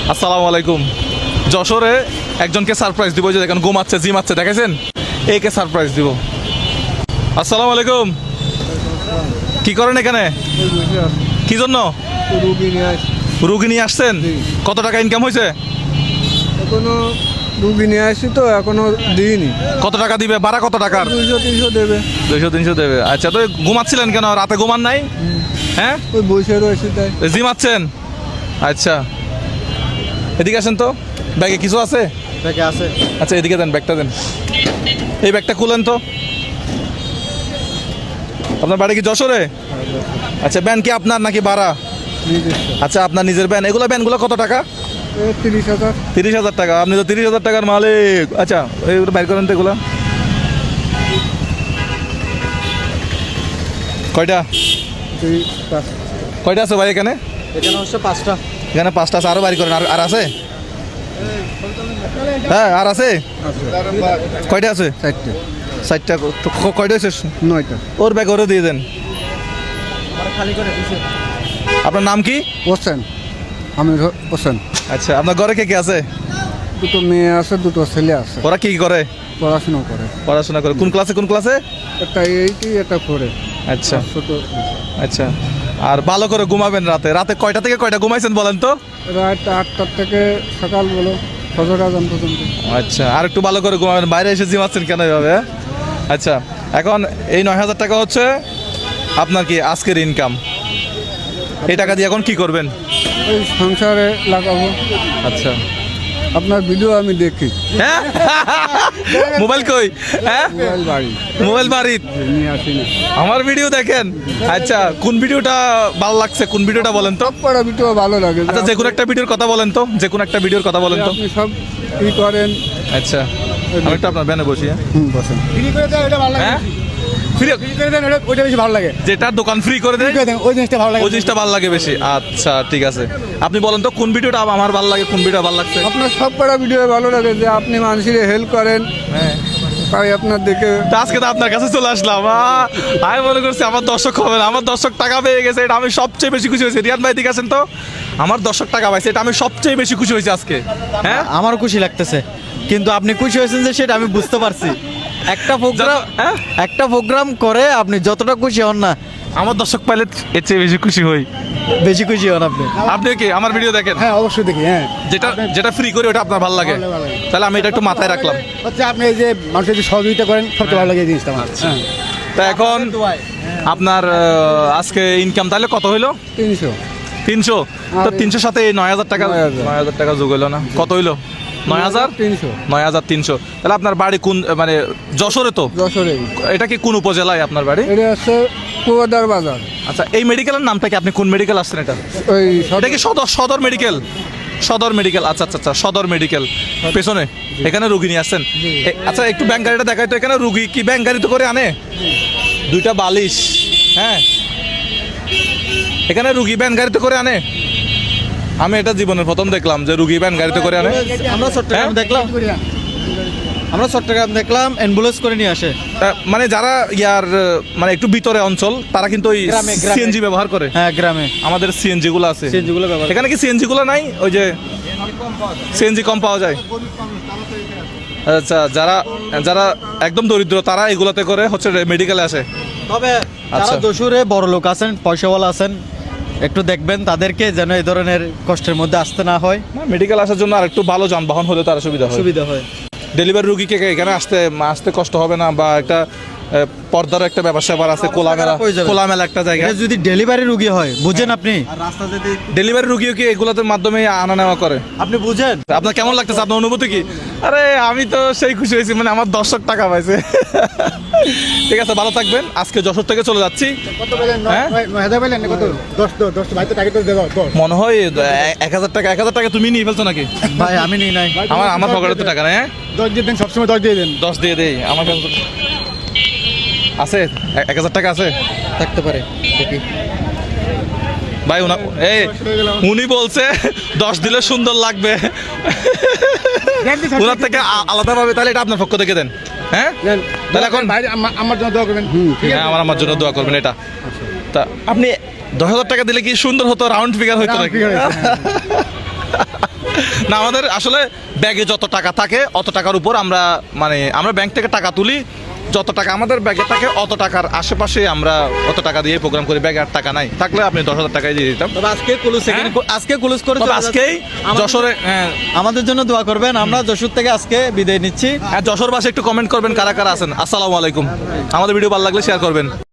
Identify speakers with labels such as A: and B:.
A: আসসালামু আলাইকুম। যশোরে একজনকে সারপ্রাইজ দিব, যে দেখেন ঘুমাচ্ছে, জিমাচ্ছে, দেখেছেন? একে সারপ্রাইজ দিব। আসসালামু আলাইকুম। কি করেন এখানে? কি জন্য? রুগী নিয়ে আসছেন? কত টাকা ইনকাম হয়েছে?
B: এখনো রুগী নিয়ে আসি তো এখনো দিইনি।
A: কত টাকা দিবে? ভাড়া কত টাকার?
B: 200-300 দেবে।
A: 200-300 দেবে। আচ্ছা, তো ঘুমাচ্ছিলেন কেন? রাতে ঘুমান নাই? হ্যাঁ,
B: ওই বসে রয়েছে তাই।
A: জিমাচ্ছেন? আচ্ছা, এদিকে আসেন তো। ব্যাগে কিছু আছে?
B: ব্যাগে আছে।
A: আচ্ছা, এদিকে দেন, ব্যাগটা দেন। এই ব্যাগটা খুলেন তো। আপনার বাড়ি কি যশোরে? আচ্ছা, ব্যান কি আপনার নাকি ভাড়া? আচ্ছা, আপনার নিজের ব্যান। এগুলো ব্যানগুলো কত টাকা?
B: 30,000।
A: 30,000 টাকা। আপনি তো 30,000 টাকার মালিক। আচ্ছা, এইগুলো বাইর করেন তো। এগুলো কয়টা? কয়টা আছে ভাই এখানে?
B: এখানে হচ্ছে 5টা।
A: এখানে 5টা আছে। আরও বাইর করেন। আর আছে? হ্যাঁ, আর আছে? কয়টা আছে?
B: 4টে।
A: 4টা। কয়টা হয়েছে?
B: 9টা।
A: ওর ব্যাগ ওরে দিয়ে দেন। আপনার নাম কি?
B: হোসেন। আমি হোসেন।
A: আচ্ছা, আপনার ঘরে কে কে আছে?
B: দুটো মেয়ে আছে, দুটো ছেলে আছে।
A: ওরা কি করে?
B: পড়াশোনা করে।
A: পড়াশোনা করে। কোন ক্লাসে? কোন ক্লাসে?
B: একটা 8, একটা 4।
A: আচ্ছা
B: ছোট।
A: আচ্ছা। আর ভালো করে ঘুমাবেন রাতে। রাতে কয়টা থেকে কয়টা ঘুমাইছেন বলেন তো?
B: রাত 8টার থেকে সকাল বলো ফজর আজান পর্যন্ত।
A: আচ্ছা, আর একটু ভালো করে ঘুমাবেন। বাইরে এসে জিমাচ্ছেন কেন এভাবে? আচ্ছা, এখন এই 9,000 টাকা হচ্ছে আপনার কি আজকের ইনকাম। এই টাকা দিয়ে এখন কি করবেন?
B: ওই সংসারে লাগাবো।
A: আচ্ছা।
B: আপনার ভিডিও আমি দেখি।
A: হ্যাঁ, মোবাইল কই? হ্যাঁ,
B: মোবাইল বাড়ি
A: মোবাইল বাড়িত
B: নিয়ে আসি না।
A: আমার ভিডিও দেখেন? আচ্ছা, কোন ভিডিওটা ভালো লাগছে? কোন ভিডিওটা বলেন তো?
B: পড়া ভিডিও ভালো লাগে।
A: আচ্ছা, যে কোনো একটা ভিডিওর কথা বলেন তো। যে কোনো একটা ভিডিওর কথা বলেন তো।
B: আপনি সব ই করেন।
A: আচ্ছা, আমি একটু আপনার ব্যানে বসি। হ্যাঁ,
B: বসেন। ফ্রি করে দেন, ওটা ভালো লাগে।
A: হ্যাঁ? ফ্রি
B: ফ্রি করে দেন, ওটা বেশি ভালো লাগে।
A: যেটা দোকান ফ্রি করে দেয়,
B: ফ্রি করে দেন, ওই জিনিসটা ভালো লাগে।
A: ওই জিনিসটা ভালো লাগে বেশি। আচ্ছা, ঠিক আছে। আপনি বলেন তো কোন ভিডিওটা আমার ভালো লাগে, কোন ভিডিওটা ভালো লাগছে?
B: আপনার সব পড়া ভিডিও ভালো লাগে, যে আপনি মানুষের হেল্প করেন।
A: হ্যাঁ,
B: তাই আপনার দেখে
A: তা আজকে তো আপনার কাছে চলে আসলাম। আমি মনে করছি আমার দর্শক হবে না, আমার দর্শক টাকা পেয়ে গেছে, এটা আমি সবচেয়ে বেশি খুশি হয়েছি। রিয়াদ ভাই দিকে আছেন তো। আমার দর্শক টাকা পাইছে, এটা আমি সবচেয়ে বেশি খুশি হয়েছি আজকে। হ্যাঁ,
C: আমারও খুশি লাগতেছে, কিন্তু আপনি খুশি হয়েছেন যে সেটা আমি বুঝতে পারছি।
A: হ্যাঁ?
C: একটা প্রোগ্রাম করে আপনি যতটা খুশি হন না,
A: আমার দর্শক পাইলে এর চেয়ে বেশি খুশি হই।
C: বেশি খুশি হন আপনি।
A: আপনি কি আমার ভিডিও দেখেন?
B: হ্যাঁ অবশ্যই দেখি। হ্যাঁ,
A: যেটা যেটা ফ্রি করি ওটা আপনার ভালো লাগে,
B: ভালো লাগে।
A: তাহলে আমি এটা একটু মাথায় রাখলাম।
B: হচ্ছে আপনি এই যে মানুষের যে সহযোগিতা করেন, সবচেয়ে ভালো লাগে এই জিনিসটা আমার। হ্যাঁ,
A: তা এখন আপনার আজকে ইনকাম তাহলে কত হইলো?
B: 300।
A: 300। তো 300 সাথে এই 9,000 টাকা,
B: 9,000
A: 9,000 টাকা যোগ হইলো না? কত হইলো? 9,000।
B: 300।
A: 9,300। তাহলে আপনার বাড়ি কোন, মানে যশোরে তো?
B: যশোরে।
A: এটা কি কোন উপজেলায় আপনার বাড়ি?
B: এটা হচ্ছে কুয়াদার বাজার।
A: আচ্ছা, এই মেডিকেলের নামটা কি? আপনি কোন মেডিকেল আসছেন এটা?
B: ওই
A: এটা কি সদর সদর মেডিকেল? সদর মেডিকেল। আচ্ছা আচ্ছা আচ্ছা, সদর মেডিকেল পেছনে এখানে রুগী নিয়ে আসছেন। আচ্ছা, একটু ব্যাংক গাড়িটা দেখাই তো। এখানে রুগী কি ব্যাংক গাড়িতে করে আনে? 2টা বালিশ। হ্যাঁ, এখানে রুগী ব্যান গাড়িতে করে আনে? আমি এটা জীবনের প্রথম দেখলাম যে রুগী ব্যান গাড়িতে করে আনে।
C: আমরা চট্টগ্রাম দেখলাম, অ্যাম্বুলেন্স করে নিয়ে আসে।
A: মানে যারা মানে একটু ভিতরে অঞ্চল, তারা কিন্তু ওই
C: গ্রামে।
A: সিএনজি ব্যবহার করে।
C: হ্যাঁ, গ্রামে
A: আমাদের সিএনজি গুলো আছে।
C: সিএনজি গুলো ব্যবহার।
A: এখানে কি সিএনজি গুলো নাই? ওই যে সিএনজি কম পাওয়া যায়। আচ্ছা, যারা যারা একদম দরিদ্র তারা এগুলোতে করে হচ্ছে মেডিকেলে আসে।
C: তবে
A: আচ্ছা।
C: যারা যশোরে বড় লোক আছেন, পয়সাওয়ালা আছেন, একটু দেখবেন তাদেরকে যেন এই ধরনের কষ্টের মধ্যে আসতে না হয়।
A: মেডিকেল আসার জন্য আর একটু ভালো যানবাহন হলে তার সুবিধা হয়।
C: সুবিধা হয়।
A: ডেলিভারি রুগীকে এখানে আসতে কষ্ট হবে না, বা একটা পর্দার একটা ব্যবসা আবার আছে, খোলামেলা একটা জায়গা।
C: এটা যদি ডেলিভারি রুগী হয়, বুঝেন আপনি?
A: ডেলিভারি রুগীও কি এগুলোর মাধ্যমে আনা নেওয়া করে?
C: আপনি বুঝেন?
A: আপনার কেমন লাগতেছে? আপনার অনুভূতি কি? আরে আমি তো সেই খুশি হয়েছি, মানে আমার দর্শক টাকা পাইছে। ঠিক আছে, ভালো থাকবেন। আজকে যশোর থেকে চলে যাচ্ছি। হ্যাঁ? মনে হয় 1,000 টাকা। 1,000 টাকা তুমি নিয়ে ফেলছো নাকি?
C: ভাই আমি নিই নাই।
A: আমার পকেটে তো টাকা নেই। হ্যাঁ,
B: 10 দিয়ে দেন, সবসময় 10 দিয়ে দেন।
A: 10 দিয়ে দেই। আমার কাছে তো আছে 1,000 টাকা আছে।
C: থাকতে পারে, দেখি।
A: ভাই উনি বলছে 10 দিলে সুন্দর লাগবে ওনার থেকে আলাদা ভাবে। তাহলে এটা আপনার পক্ষ থেকে দেন। হ্যাঁ, তাহলে এখন
B: আমার জন্য দোয়া করবেন।
A: হ্যাঁ, আমার জন্য দোয়া করবেন। এটা তা আপনি 10,000 টাকা দিলে কি সুন্দর হতো? রাউন্ড ফিগার হতো নাকি? না আমাদের আসলে ব্যাগে যত টাকা থাকে অত টাকার উপর আমরা আমরা ব্যাংক থেকে টাকা তুলি, যত টাকা আমাদের ব্যাগে থাকে অত টাকার আশেপাশে আমরা অত টাকা দিয়ে প্রোগ্রাম করি। ব্যাগে আর টাকা নাই, থাকলে আপনি 10,000 টাকাই দিয়ে দিতাম।
C: তবে আজকে কুলুস আজকে কুলুস করে
A: তবে
C: চলে
A: আজকেই
C: যাচ্ছে।
A: যশোরে
C: আমাদের জন্য দোয়া করবেন, আমরা যশোর থেকে আজকে বিদায় নিচ্ছি।
A: যশোর বাসে একটু কমেন্ট করবেন কারা কারা আছেন। আসসালামু আলাইকুম। আমাদের ভিডিও ভালো লাগলে শেয়ার করবেন।